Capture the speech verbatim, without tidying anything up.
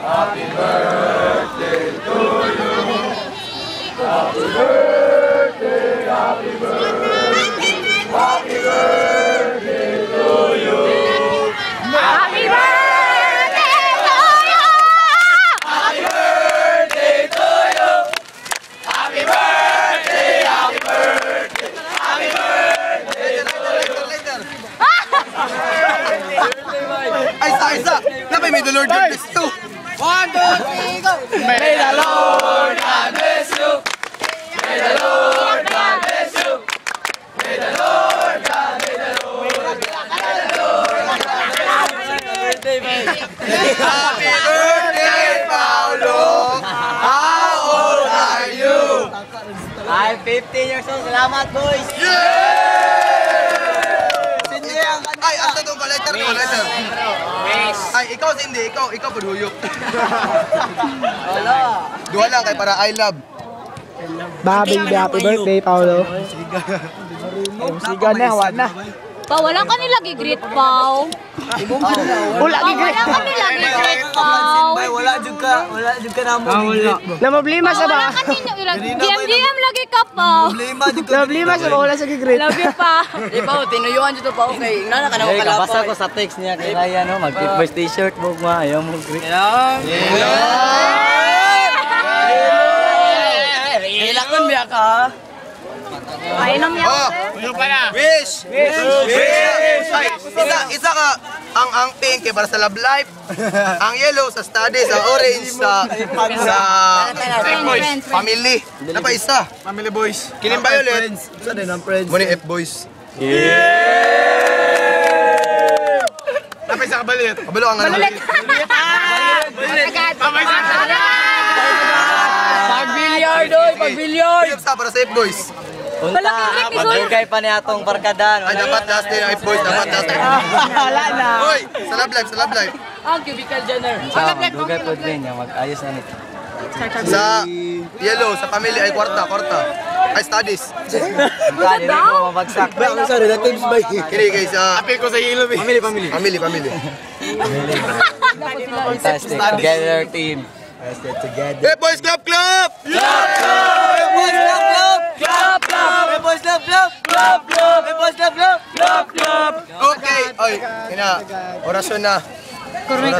Happy birthday to you. Happy birthday, happy birthday. Happy birthday to you. Happy birthday to you! Happy birthday to you. Happy birthday, happy birthday. Happy birthday to you. Ay, isa, isa! Napay, may the Lord God bless you! One, two, three, go! May the Lord God bless you. May the Lord God bless you. May the Lord God, may the Lord God, may the Lord God. Happy birthday, Paolo! How old are you? I'm fifteen years old. Salamat, boys. Ay, asa itong collector mo, collector? Ay, ikaw hindi, ikaw, ikaw paduyok. Wala. Duha lang kay para I love. Baby, happy birthday, Paolo. Siga na, wala na. Pa, wala ka nila gigreet, Pao. Wala Pa, wala ka nila gigreet, Pao. Wala jud ka, wala jud ka namo. Wala. Na problema Pa, sa wala ba? ka ninyo ilag. D M D M lagi ka, Pao. Problema jud ka. Problema sa ba? Wala sa gigreet. Love you, pa. Di ba tinuyuan jud to pa okay. Nana ka na kala. Basta ko sa text niya kay Ryan no, mag-first t-shirt mo ma, ayaw mo greet. Ilakon biya ka. Painom niya Oh, ako. wish! Wish! Wish! Ay, isa, isa ka, ang ang pink kay para sa love life, ang yellow sa studies, ang orange sa sa Friends, friends, friends. family. Ano pa isa? Family boys. Kining violet, Sa din ang friends. muni F boys. Napay sa kabalit. Kabalo ang ano. Malulit. Papay sa Pag-billiard oy, pag-billiard. Uyab sa para sa F boys. Unta, pagdugay pa ni atong barkadan. Ay, dapat last day ang F boys, dapat last day. Wala na. Hoy, sa love life, sa love life. Ang cubicle dinner. Sa dugay po din yung mag-ayos na nito. Sa yellow, sa family ay kwarta, kwarta. Ay studies. Kali rin ko mabagsak. Ang sa relatives ba? Kini kay sa Apil ko sa ilo. Family, family. family, family. Fantastic. Together team. F boys club club! Boys love love. Club club. Boys love love. Club club. Boys love love. Club club. Okay, oy, ina, orasyon na.